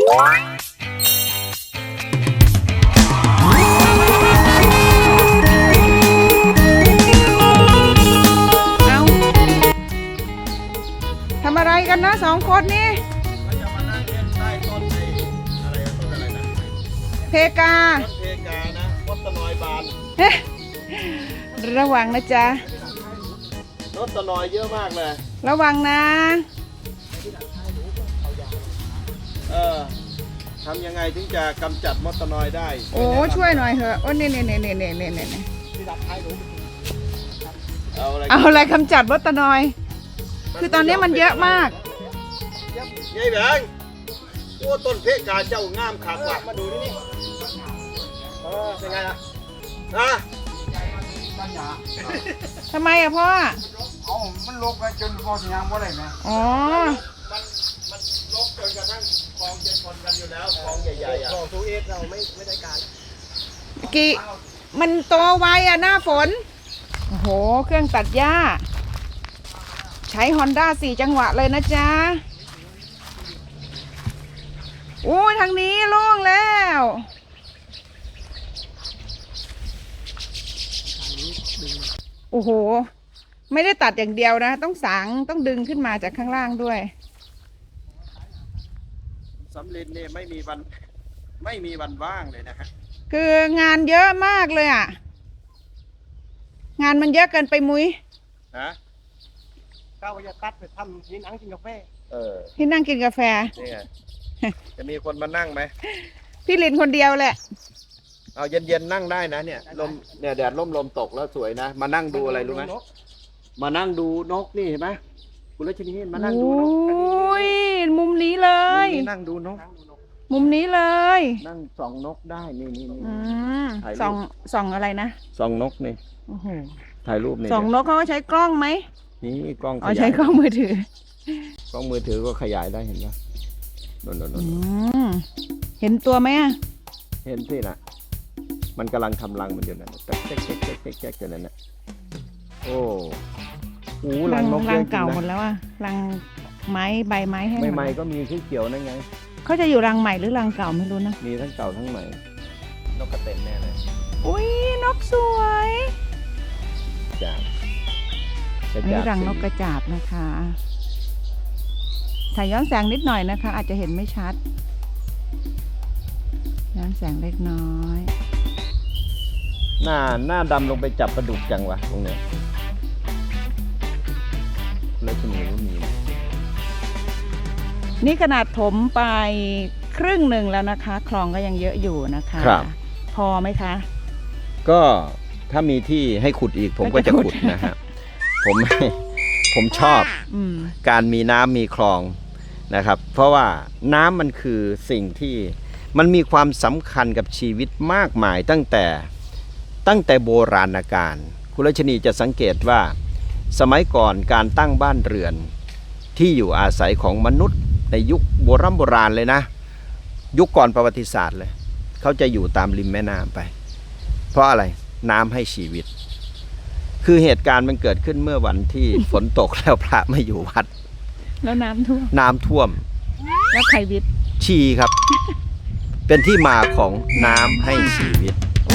ทำอะไรกันนะ2 คนนี่จะมานั่งเล่นใต้ต้นอะไรต้นอะไรนะเพกาต้นเพกานะมดตะนอยบานระวังนะจ๊ะมดตะนอยเยอะมากเลยระวังนะทำยังไงถึงจะกำจัดมดตะนอยได้โอ้ช่วยหน่อยเถอะโอ้เนี่ยเอาอะไรกำจัดมดตะนอยคือตอนนี้มันเยอะมากยายแบงโอ้ต้นเพกาเจ้างามขาดว่ะมาดูนี่เป็นไงล่ะทำไมอะพ่อมันลกไปจนพอสัญญาณว่าอะไรไหมอ๋อมันลกจนกระทั่งคลองจะชนกันอยู่แล้วคลองใหญ่ๆอ่ะคลองทูเอสเราไม่ได้การกี่มันโตไวอะหน้าฝนโอ้โหเครื่องตัดหญ้าใช้ Honda 4 จังหวะเลยนะจ๊ะโอ้ยทางนี้โล่งแล้วโอ้โหไม่ได้ตัดอย่างเดียวนะต้องสางต้องดึงขึ้นมาจากข้างล่างด้วยสำลินเนี่ยไม่มีวันว่างเลยนะฮะคืองานเยอะมากเลยอ่ะงานมันเยอะเกินไปมุ้ยก้าวจะตัดไปทำที่นั่งกินกาแฟที่นั่งกินกาแฟนี่ไงจะมีคนมานั่งไหมพี่ลินคนเดียวแหละเอาเย็นๆนั่งได้นะเนี่ยลมเนี่ยแดดลมตกแล้วสวยนะมานั่งดูอะไรรู้ไหมมานั่งดูนกนี่เห็นไหมคุณรัชนีมานั่งดูนกโอ้ยมุมนี้เลยนั่งดูนกมุมนี้เลยนั่งส่องนกได้นี่ส่องอะไรนะส่องนกนี่ถ่ายรูปนี่ส่องนกเขาใช้กล้องไหมนี่กล้องใช้กล้องมือถืกล้องมือถือก็ขยายได้เห็นไหมนเห็นตัวไหมอะเห็นสินะมันกำลังทำรังมันอยู่นั่นแจ๊กอยู่นั่นน่ะโอ้โหรังนกรังเก่าหมดแล้วอะรังไม้ใบไม้ให้ใหม่ก็มีที่เกี่ยวนั่นไงเขาจะอยู่รังใหม่หรือรังเก่าไม่รู้นะมีทั้งเก่าทั้งใหม่นกกระเต็นแน่เลยอุ้ยนกสวยอันนี้รังนกกระจาบนะคะถ่ายย้อนแสงนิดหน่อยนะคะอาจจะเห็นไม่ชัดย้อนแสงเล็กน้อยหน้าดำลงไปจับปลาดุกจังวะตรงเนี้ยแล้วจะมีก็มีนี่ขนาดถมไปครึ่งหนึ่งแล้วนะคะคลองก็ยังเยอะอยู่นะคะพอไหมคะก็ถ้ามีที่ให้ขุดอีกผมก็จะขุดนะฮะผมชอบการมีน้ำมีคลองนะครับเพราะว่าน้ำมันคือสิ่งที่มันมีความสำคัญกับชีวิตมากมายตั้งแต่โบราณกาลคุณรัชนีจะสังเกตว่าสมัยก่อนการตั้งบ้านเรือนที่อยู่อาศัยของมนุษย์ในยุคโบราณเลยนะยุคก่อนประวัติศาสตร์เลยเขาจะอยู่ตามริมแม่น้ำไปเพราะอะไรน้ำให้ชีวิตคือเหตุการณ์มันเกิดขึ้นเมื่อวันที่ฝนตกแล้วพระไม่อยู่วัดแล้วน้ำท่วมแล้วใครวิทย์ชีครับเป็นที่มาของน้ำให้ชีวิต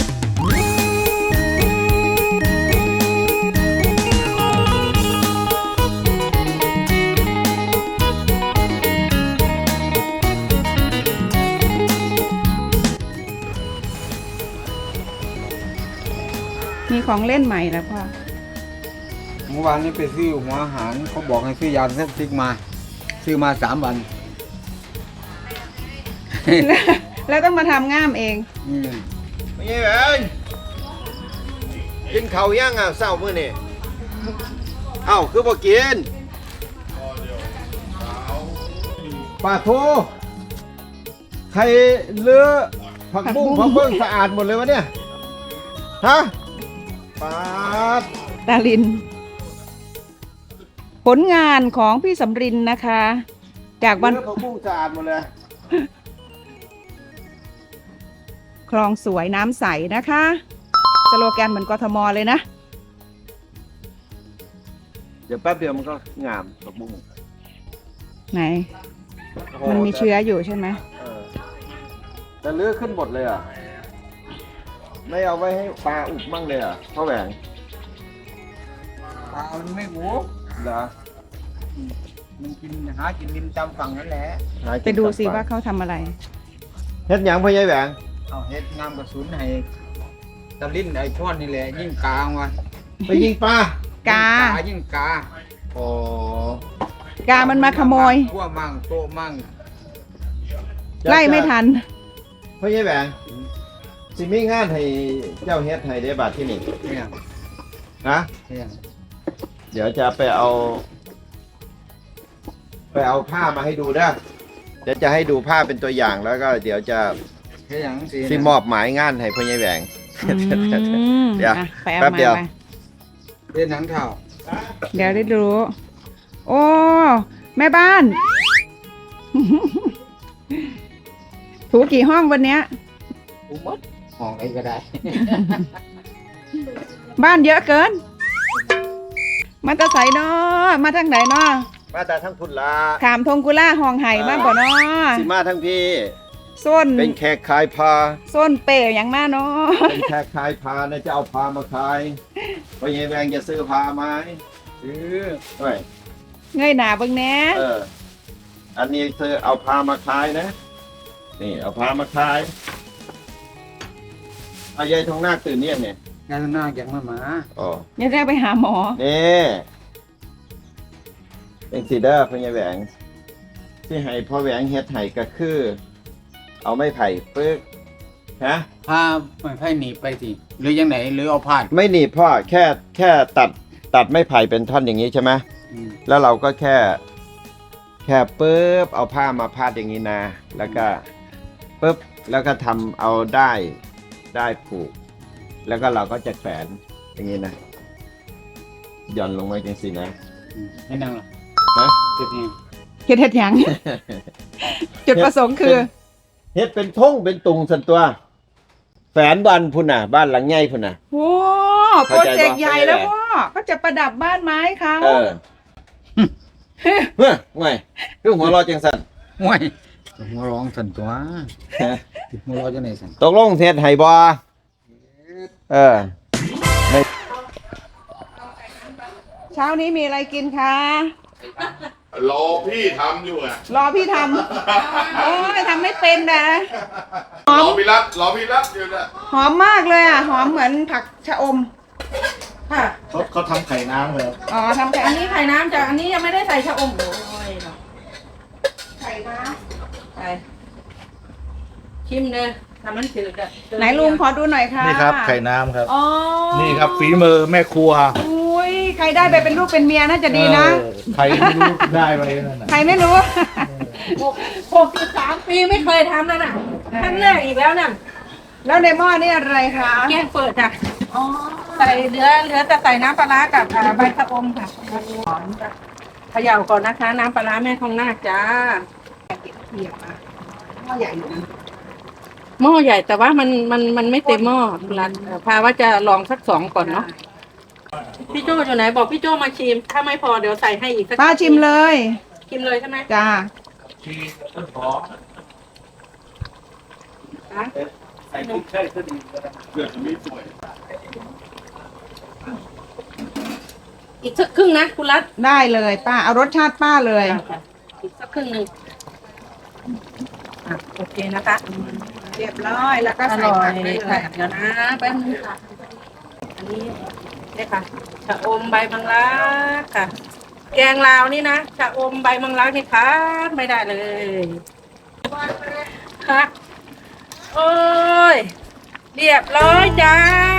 มีของเล่นใหม่แล้วพ่อเมื่อวานนี้ไปซื้อหัวอาหารเขาบอกให้ซื้อยาเสพติดมาซื้อมา3 วันแล้วต้องมาทำง่ามเองไม่ใช่เองกินข้าวยังอ่ะเศร้ามื้อนี่คือบ่กินปลาทูใครเลือผักบุ้งผักเบิ้งสะอาดหมดเลยวะเนี่ยฮะปาดตาลินผลงานของพี่สำรินนะคะจากวันผักบุ้งสะอาดหมดเลยคลองสวยน้ำใสนะคะสโลแกนเหมือนกทมเลยนะเดี๋ยวแป๊บเดียวมันก็งามผักบุ้งไหนมันมีเชื้ออยู่ใช่ไหมจะลื้อขึ้นหมดเลยอ่ะ ไม่เอาไว้ให้ปลาอุบมั่งเลยอ่ะพ่อแหวงปลามันไม่หูเหรอมันกินหากินริมตามฝั่งนั่นแหละหากินไปดูสิกับปลว่าเขาทำอะไรเฮ็ดหยังพ่อใหญ่แหวงเอาเฮ็ดน้ำกระสุนให้ตะลิ้นไอ้ช่อนนี่แหละยิ่งกลางว่ะไปยิงปลากายิ่งกาโอ้กามันมาขโมยพวกมั่งโต๊ะมั่งไล่ไม่ทันพ่อใหญ่แหวงสิมีงานให้เจ้าเฮ็ดให้ได้บาทที่นี่เนี่ยนะเนี่ยเดี๋ยวจะไปเอาผ้ามาให้ดูนะเดี๋ยวจะให้ดูผ้าเป็นตัวอย่างแล้วก็เดี๋ยวจะเฮ็ดอย่างสิสิมอบหมายงานให้พ่อใหญ่แหวง เดี๋ยวอ่ะไปเอาแป๊บมาเดียวไปเฮ็ดหนังเท่าเดี๋ยวได้รู้ โอ้ แม่บ้าน ถูกี่ห้องวันเนี้ยกูหมดห้องไหนก็ได้บ้านเยอะเกิน มาแตะใสเนาะมาทางไหนเนาะมาแต่ทั้งพุ่นละขามทงกุล่าห้องไห่บ้านบ่เนาะสิมาทั้งพี่ส้นเป็นแขกขายพาส้นเป๋อย่างมาเนาะเป็นแขกขายพานะจะเอาพามาขายพ่อใหญ่แหวงจะซื้อพาไหมซื้อเฮ้ยเงยหน้าเบิ่งแหน่อันนี้ซื้อเอาพามาขายนะ นี่เอาพามาขายเอายายทองนาคตื่นเนี่ยเนี่ยงานหน้าอย่างมาหมาอ๋ออย่าได้ไปหาหมอนี่เป็นสีเด้อพ่อใหญ่แหวงที่ให้พ่อแหวงเฮ็ดไห้ก็คือ เอาไม้ไผ่ปึ๊กฮะพาไม่ให้หนีไปสิหรือยังไหนหรือเอาผ่านไม่หนีบพ่อแค่ตัดไม้ไผ่เป็นท่อนอย่างนี้ใช่ไหมอืมแล้วเราก็แค่ปึ๊บเอาผ้ามาพาดอย่างนี้นะ แล้วก็ปึ๊บแล้วก็ทำเอาได้ผูก แล้วก็เราก็จะแขวนอย่างนี้นะหย่อนลงมาจังสินะให้นั่งหรอฮะจุดนี้เฮ็ดหยัง จุดประสงค์คือเฮ็ดเป็นท่งเป็นตุงสันตัวแฝนบ้านพุ่นน่ะ บ้านหลังใหญ่พุ่นน่ะโอ้โปรเจกต์ใหญ่แล้วพ่อเขาจะประดับบ้านไม้เขาเออเฮ้ยไงคือหัวเรอจังสันห่วยหัวร้องสันตัวหัวร้องจะไหนสันตกลงเฮ็ดให้บ่เออเช้านี้มีอะไรกินคะรอพี่ทำอยู่อ่ะรอพี่ทำ โอ้ยทำไม่เป็นนะหอรมอพี่รัตอยู่นะหอมมากเลยอ่ะ หอมเหมือนผักชะอมค่ะเขาทำไข่น้ำเลยอ๋อทำแค่อันนี้ไข่น้ำจ้ะอันนี้ยังไม่ได้ใส่ชะอมโอ้ยเนาะไข่น้ไปชิมเลยทำมันจืดอ่ะำไหนลุงขอดูหน่อยค่ะนี่ครับไข่น้ำครับอ๋อนี่ครับฝีมือแม่ครัวอุ้ยใครได้ไปเป็นลูกเป็นเมียน่าจะดีนะใครไม่รู้ได้ไปนั่นน่ะใครไม่รู้ 63 ปีไม่เคยทำแล้วน่ะครั้งแรกอีกแล้วน่ะแล้วในหม้อนี่อะไรคะแกงเปิดจ้ะใส่เหลือแต่ใส่น้ำปลาร้ากับใบชะอมค่ะหอมจ้ะเขย่าก่อนนะคะ น้ำปลาร้าแม่ทองนาคจ้าเทียบมาหม้อใหญ่อยู่นะหม้อใหญ่แต่ว่ามันไม่เต็มหม้อรันพาว่าจะลองสัก2ก่อนเนาะพี่โจอยู่ไหนบอกพี่โจมาชิม ถ้าไม่พอเดี๋ยวใส่ให้อีกสักป้าชิมเลยชิมเลยใช่ไหมจ้าอีกสักครึ่งนะคุณรัตได้เลยป้า เอารสชาติป้าเลยอีกสักครึ่งหนึ่งโอเคนะคะเรียบร้อยแล้วก็อใส่ร่อผัยกได้เลค่ะยเดี๋ยวนะแป๊บนึงค่ะอันนี้นี่ค่ะชะอมใบมังลักค่ะ แกงลาวนี่นะชะอมใบมังลักนี่ค่ะไม่ได้เลยค่ะโอ้ยเรียบร้อยจ้า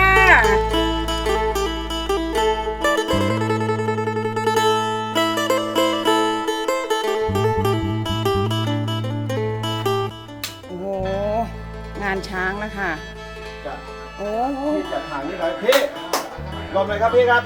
โอ้โห งานช้างแล้วค่ะ โอ้โหพี่จัดหางนี่หน่อยพี่หลบเลยครับพี่ครับ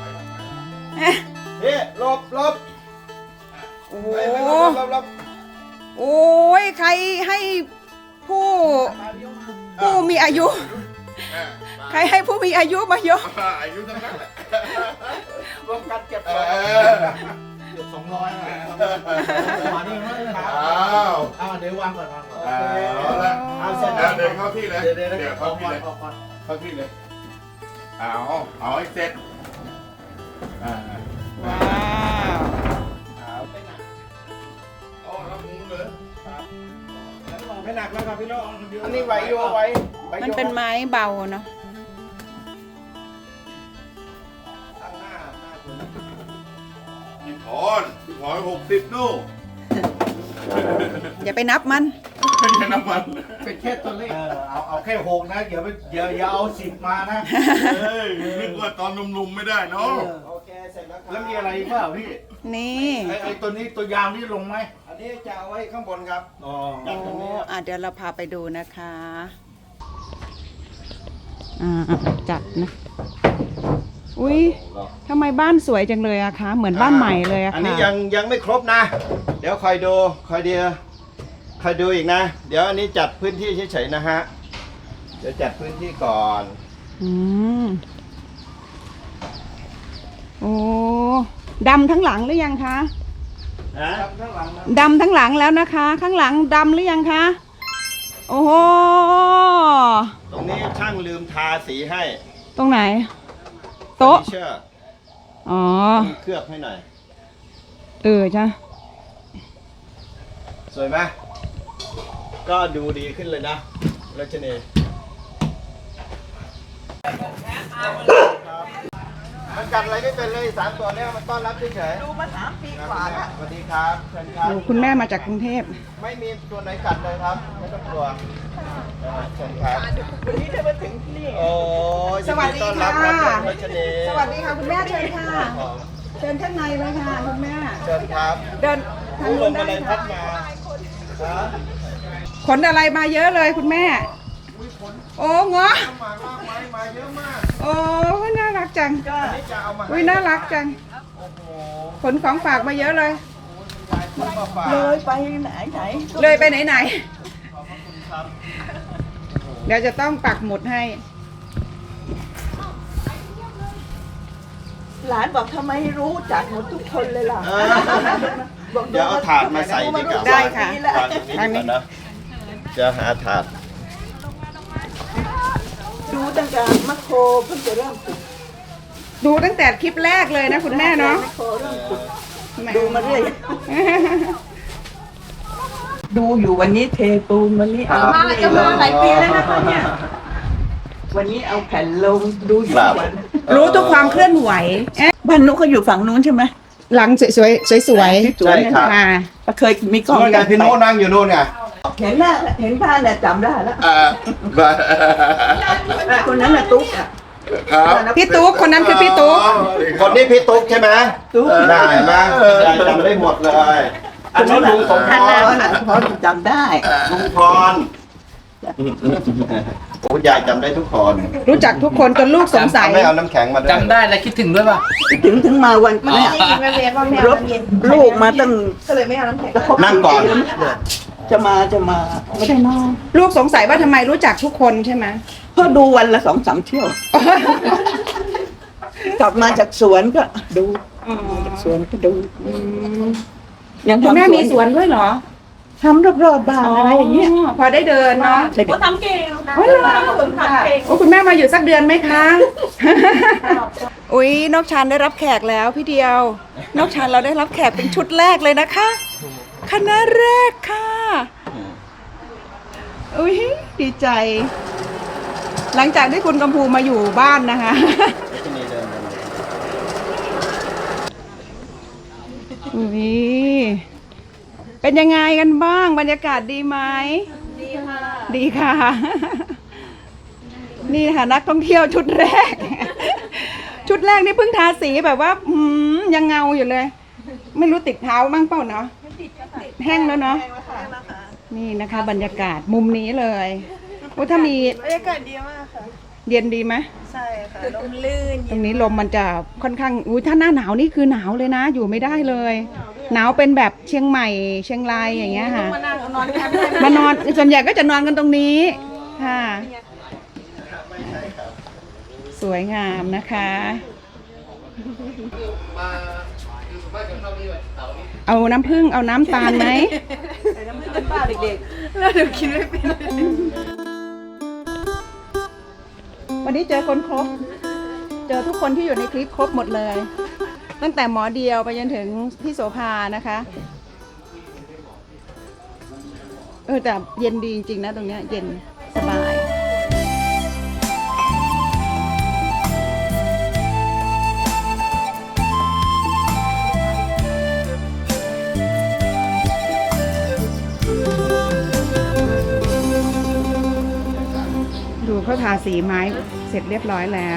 พี่หลบโอ้โหไปหลบโอ้ย ใครให้ผู้มีอายุ ใครให้ผู้มีอายุมายกอายุทั้งนั้นแหละรวมกันเก็บเกือบ200อ่ะมานี่มั้ยอ้าวเดี๋ยววางก่อนเอาละเอาเสร็จแล้แล้ว วเดินเข้าที่เลยเดี๋ยวเดี๋ยวเข้าที่เลยเข้าที่เลยเอาให้เสร็จว้อ่าาวเอาแล้วหมูเลยไม่หนักแล้วครับพี่น้องอันนี้ไหวอยู่ไหวมันเป็นไม้เบาเนาะตั้งหน้าคุณพี่ถอน60นู่นอย่าไปนับมันไม่ใช่น้ำมันเป็นแค่ตัวเลขเอาแค่6นะอย่าเอา10มานะเฮ้ยนึกว่าตอนหนุ่มๆไม่ได้เนาะโอเคเสร็จแล้วครับแล้วมีอะไรอีกเปล่าพี่นี่ไอ้ตัวนี้ตัวยาวนี่ลงไหมอันนี้จะเอาไว้ข้างบนครับอ๋อโอ้เดี๋ยวเราพาไปดูนะคะจัดนะ อุ้ยทำไมบ้านสวยจังเลยอะคะ เหมือนบ้านใหม่เลยอะอันค่ะนี้ยังไม่ครบนะ เดี๋ยวคอยดูอีกนะ เดี๋ยวอันนี้จัดพื้นที่เฉยๆนะฮะ เดี๋ยวจัดพื้นที่ก่อนอืมโอ้ดำทั้งหลังหรือยังคะนะดำทั้งหลังแล้วนะคะ ข้างหลังดำหรือยังคะ โอ้โหตรงนี้ช่างลืมทาสีให้ตรงไหน โต๊ะเฟอร์นิเชอร์อ๋อเคลือบให้หน่อยจ้ะสวยไหมก็ดูดีขึ้นเลยนะรัชนีมันกัดอะไรไม่เป็นเลย3 ตัวเนี้มันต้อนรับเฉยๆดูมา3 ปีกว่าแล้วสวัสดีครับเชิญครับคุณแม่มาจากกรุงเทพไม่มีตัวไหนกัดเลยครับ ไม่ต้องกลัวเชิญครับวันนี้ได้มาถึงที่นี่โอ้ยสวัสดีค่ะยินต้อนรับครับรัชนีสวัสดีค่ะคุณแม่เชิญค่ะ เชิญข้างในเลยค่ะคุณแม่เชิญครับเดินทางผู้ลนู้มนอะไรได้พัค่ะดมาครับขนอะไรมาเยอะเลยคุณแม่ โอ้เงาะมากไม้มาเยอะมากโอ้น่ารักจังอันนี้จะเอามาอุ้ยน่ารักจังโอ้โหขนของฝากมาเยอะเลยคุณมาฝากเลยไปไหนเลยไปไหนขอบพระคุณครับเดี๋ยวจะต้องปักหมุดให้หลานบอกทำไมรู้จักหมดทุกคนเลยล่ะเออเดี๋ยวเอาถาดมาใส่ดีกว่าได้ค่ะวางตรงนี้ดีกว่านะจะหาถาดดูตั้งแต่มัคโครเพิ่งจะเริ่มฝึกดูตั้งแต่คลิปแรกเลยนะคุณแม่เนาะมัคโครเริ่มฝึกดูมาเรื่อยดูอยู่วันนี้เทปูนวันนี้เอาจะมาหลายปีแล้วนะคะเนี่ยวันนี้เอาแผ่นลงดูอยู่ทุกวันรู้ทุกความเคลื่อนไหวเอ๊ะบ้านนุกเขาอยู่ฝั่งนู้นใช่ไหมหลังสวยๆสวยใช่ครับค่ะเคยมีกล้องนู่นไงพี่โน้ตนั่งอยู่นู่นไงเห็นหน้าเห็นผ้าเนี่ยจำได้แล้วคนนั้นน่ะตุ๊กอ่ะครับพี่ตุ๊กคนนั้นคือพี่ตุ๊กคนนี้พี่ตุ๊กใช่ไหมตุ๊กได้ไหมยายจำได้หมดเลย อันนี้ลุงสมพท่านรนั้นพอจำได้ลุงพรโอ้ยายจำได้ทุกคนรู้จักทุกคนจนลูกสงสัยไม่เอาน้ำแข็งมาด้วยจำได้แล้วคิดถึงด้วยป่ะถึงมาวันนี้รถลูกมาตั้งก็เลยไม่เอาน้ำแข็งนั่งก่อนจะมาไม่ได้นอนลูกสงสัยว่าทำไมรู้จักทุกคนใช่ไหมเพราะดูวันละ2-3 เที่ยว กลับมาจากสวนก็ดูจากสวนก็ดูยังคุณทำแม่มีสวนด้วยเหรอทำรอบๆบ้านอะไรอย่างเงี้ยพอได้เดินเนาะเด็กทำเก่งโอ้ยเหรอโอ้คุณแม่มาอยู่สักเดือนไหมคะ อุ๊ยนกชานได้รับแขกแล้วพี่เดียว นกชานเราได้รับแขกเป็นชุดแรกเลยนะคะ คณะแรกค่ะ อุ๊ยดีใจ หลังจากที่คุณกำพูมาอยู่บ้านนะคะ อุ๊ยเป็นยังไงกันบ้างบรรยากาศดีไหม ดีค่ะ ดีค่ะ นี่ค่ะนักท่องเที่ยวชุดแรก ชุดแรกนี่เพิ่งทาสีแบบว่ายังเงาอยู่เลย ไม่รู้ติดเท้าบ้างเปล่าเนาะแห้งแล้วเนาะนี่นะคะ บรรยากาศมุมนี้เลยโอ้ถ้ามีบรรยากาศดีมากค่ะเย็นดีไหมใช่ค่ะ ลมลื่นตรงนี้ลมมันจะค่อนข้างถ้าหน้าหนาวนี่คือหนาวเลยนะ อยู่ไม่ได้เลย หนาวเป็นแบบเชียงใหม่เชียงรายอย่างเงี้ยค่ะมานั่งนอนแคมป์ได้มานอนส่วนใหญ่ก็จะนอนกันตรงนี้ค่ะ สวยงามนะคะมาคือสมัยกับเรานี่แบบเต่านี่เอาน้ำผึ้งเอาน้ำตาลไหมแล้วเดี๋ยวคิดไม่เป็นวันนี้เจอคนครบ เจอทุกคนที่อยู่ในคลิปครบหมดเลย ตั้งแต่หมอเดียวไปจนถึงพี่โสภานะคะ แต่เย็นดีจริงๆนะตรงเนี้ยเย็นสบาย ดูเขาทาสีไม้เสร็จเรียบร้อยแล้ว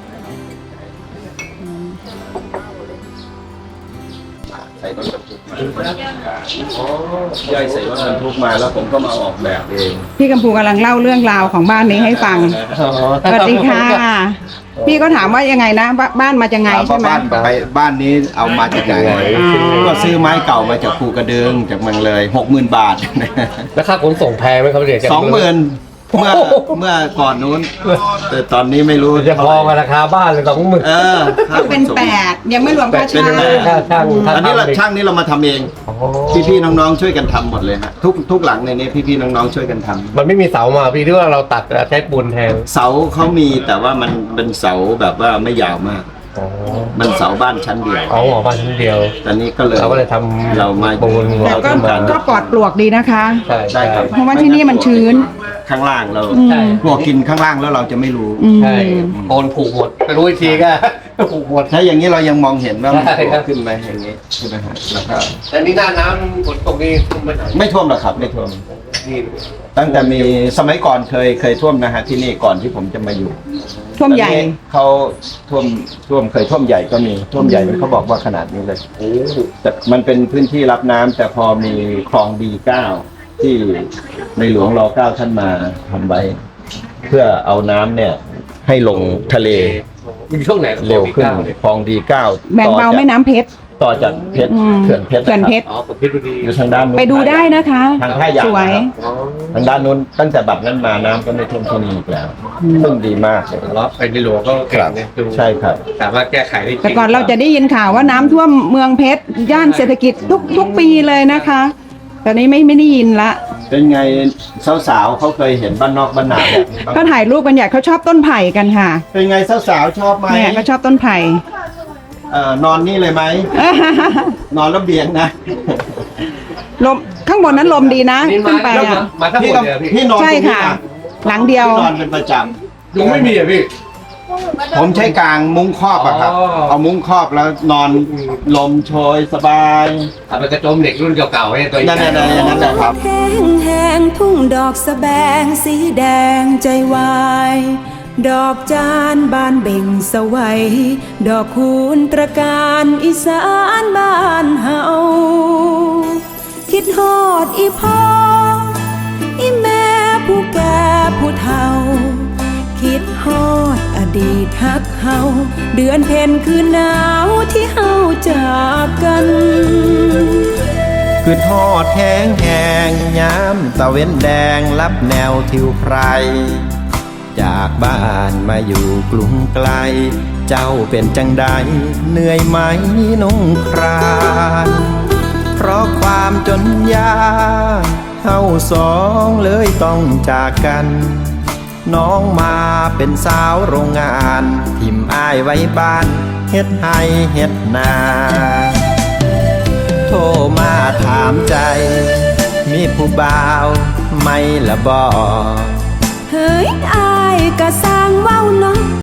ใส่รถบรรทุกมาย่อยใส่รถบรรทุกมาแล้วผมก็มาออกแบบเองพี่กัมพูกำลังเล่าเรื่องราวของบ้านนี้ให้ฟัง สวัสดีค่ะ พี่ก็ถามว่ายังไงนะบ้านมาจากไงถามใช่ว่าไหมบ้านนี้เอามาจากไหนอ๋อก็ซื้อไม้เก่ามาจากภูกระดึงจากเมืองเลย 60,000 บาทแล้วค่าขนส่งแพงไหมครับเดี๋ยวจะ 20,000เมื่อก่อนนู้น แต่ตอนนี้ไม่รู้จะพอกับราคาบ้านเลย20,000 ค่าขเป็นส่ง 8ยังไม่รวมค่าเป็นเช่าแปดค่าช่างอันนี้เราช่างนี้เรามาทำเอง พี่ๆน้องๆช่วยกันทำหมดเลยฮะทุกหลังในนี้พี่ๆน้องๆช่วยกันทำมันไม่มีเสามาพี่ที่ว่าเราตัดใช้ปูนแทนเสาเขามีแต่ว่ามันเป็นเสาแบบว่าไม่ยาวมากอ๋อมันเสาบ้านชั้นเดียวเอาหัวบ้านชั้นเดียวตอนนี้ก็เลยเราก็เลยทำเรามาปูนแต่ก็เราทำก็ปลอดปลวกดีนะคะใช่ใช่ครับเพราะว่าที่นี่มันชื้นข้างล่างเราอืมพวกกินข้างล่างแล้วเราจะไม่รู้อืมใช่โอนผูกหมดไปรู้อีกทีก็ ผูกหมดถ้าอย่างนี้เรายังมองเห็นว่ามันใช่ครับขึ้นไหมอย่างนี้ใช่ไหมฮะแล้วก็แต่นี่หน้าน้ำฝนตกนี่ท่วมไปไหนไม่ท่วมหรอกครับไม่ท่วมนี่ตั้งแต่มีสมัยก่อนเคยท่วมนะฮะที่นี่ก่อนที่ผมจะมาอยู่ท่วมใหญ่ตอนนี้เขาท่วมเคยท่วมใหญ่ก็มีท่วมใหญ่เขาบอกว่าขนาดนี้เลยแต่มันเป็นพื้นที่รับน้ำแต่พอมีคลองD9ที่ในหลวงร9ท่านมาทำไว้ เพื่อเอาน้ำเนี่ยให้ลงทะเลมีช่วงไหนเร็วขึ้นคลองD9 แบ่งเบาแม่น้ำเพชรต่อจากเพชรอืมเขื่อนเพชรเขื่อนเพชรอ๋อผมพิษบุรีอยู่ทางด้านนู้นไปดูได้นะคะทางท่ายางสวยนะครับ ทางด้านนู้นตั้งแต่บัดนั้นมาน้ำก็ไม่ท่วมที่นี่อีกแล้วซึ่งดีมากเลยแล้วไปในหลวงก็เก่งเนี่ยดูใช่ครับสามารถแก้ไขได้จริงแต่ก่อนเราจะได้ยินข่าวว่าน้ำท่วมเมืองเพชรย่านเศรษฐกิจทุกปีเลยนะคะตอนนี้ไม่ได้ยินละเป็นไงสาวๆเขาเคยเห็นบ้านนอกบ้านนาแบบนี้บ้างก็ถ่ายรูปกันใหญ่เขาชอบต้นไผ่กันค่ะเป็นไงสาวๆชอบไหมเนี่ยเขาชอบต้นไผ่นอนนี่เลยไหม นอนระเบียงนะลมข้างบนนั้นลมดีนะนี่ขึ้นไปแล้วอ่ะมาทั้งหมพี่ดก็เลยอะพี่พี่นอนตใช่รงนี้ค่ะนะหลังเดียวพี่นอนเป็นประจยุงไม่มีอ่ะพี่ำผมใช้กางมุ้งครอบอะครับอ๋อเอามุ้งครอบแล้วนอนลมโชยสบายเอาไปกระโจมเด็กรุ่นเก่าๆเนี่ยตัวใหญ่นั่นๆๆอย่างนั้นแหละครับแห้งแห้งทุ่งดอกสะแบงสีแดงใจวาย ดอกจานบานเบ่งสวัยดอกคูณตระการอีสานบ้านเฮาคิดฮอดอีพ่ออีแม่ผู้แก่ผู้เฒ่า คิดฮอดอดีตฮักเฮาเดือนเพ็ญคืนหนาวที่เฮาจากกันคือทอดแห้งแห้งย้ำตะเว้นแดงรับแนวทิวไพร จากบ้านมาอยู่กรุงไกล เจ้าเป็นจังใดเหนื่อยไหมนุ่งครานเพราะความจนยากเฮาสองเลยต้องจากกัน น้องมาเป็นสาวโรงงานทิมอ้ายไว้บ้านเฮ็ดให้เฮ็ดนาโทรมาถามใจ มีผู้บ่าวไหม่ละบ่เฮ้ยอายก็สร้างเว้าเนาะ